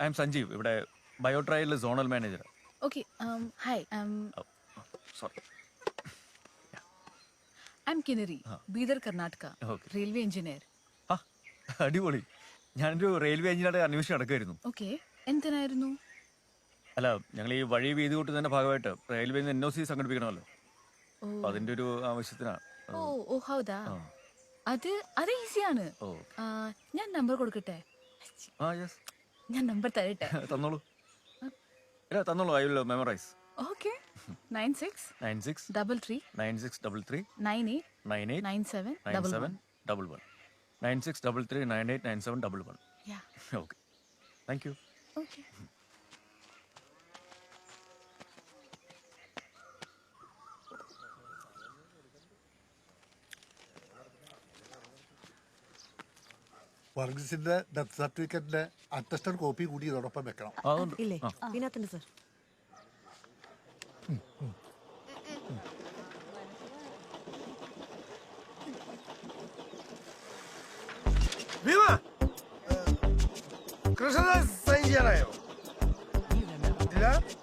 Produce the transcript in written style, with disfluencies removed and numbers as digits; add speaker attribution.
Speaker 1: I am Sanjeev, ഇവിടെ ബയോട്രയലിലെ zonal manager.
Speaker 2: Okay, hi,
Speaker 1: sorry.
Speaker 2: I'm Kinnari, Bidar, Karnataka,
Speaker 1: Okay.
Speaker 2: railway engineer.
Speaker 1: ആ അടിപൊളി. ഞാനൊരു റെയിൽവേ എഞ്ചിനീയറുടെ അന്വേഷണം നടക്കുമായിരുന്നു.
Speaker 2: Okay, എന്തിനായിരുന്നു?
Speaker 1: അല്ല, ഞങ്ങൾ ഈ വഴി വീതി കൂട്ടുന്നതിന്റെ ഭാഗമായിട്ട് റെയിൽവേയിൽ നിന്ന് NOC സംഘടിപ്പിക്കണമല്ലോ. അപ്പൊ അതിന്റെ ഒരു ആവശ്യത്തിനാണ്.
Speaker 2: ഓ ഹൗദാ. അത് ഈസിയാണ്. ഞാൻ നമ്പർ കൊടുക്കട്ടെ?
Speaker 1: ആ യെസ്.
Speaker 2: ഞാൻ നമ്പർ തരട്ടെ?
Speaker 1: തന്നോളൂ. ഇല്ല തന്നോളൂ, I will memorise.
Speaker 2: Okay. 96 33
Speaker 1: 9633
Speaker 2: 98
Speaker 1: 98
Speaker 2: 97
Speaker 1: 97 11 9633 98 97 11.
Speaker 2: Yeah.
Speaker 1: Okay, thank you.
Speaker 2: Okay.
Speaker 3: വർഗീസിന്റെ ഡെത്ത് സർട്ടിഫിക്കറ്റിന്റെ അറ്റസ്റ്റഡ് കോപ്പി കൂടി ഇതോടൊപ്പം വെക്കണം.
Speaker 4: ഇല്ലേ ഇതിനകത്തുണ്ട് സർ.
Speaker 5: കൃഷ്ണദാസ് സൈൻ ചെയ്യാനായോ? ഇല്ല.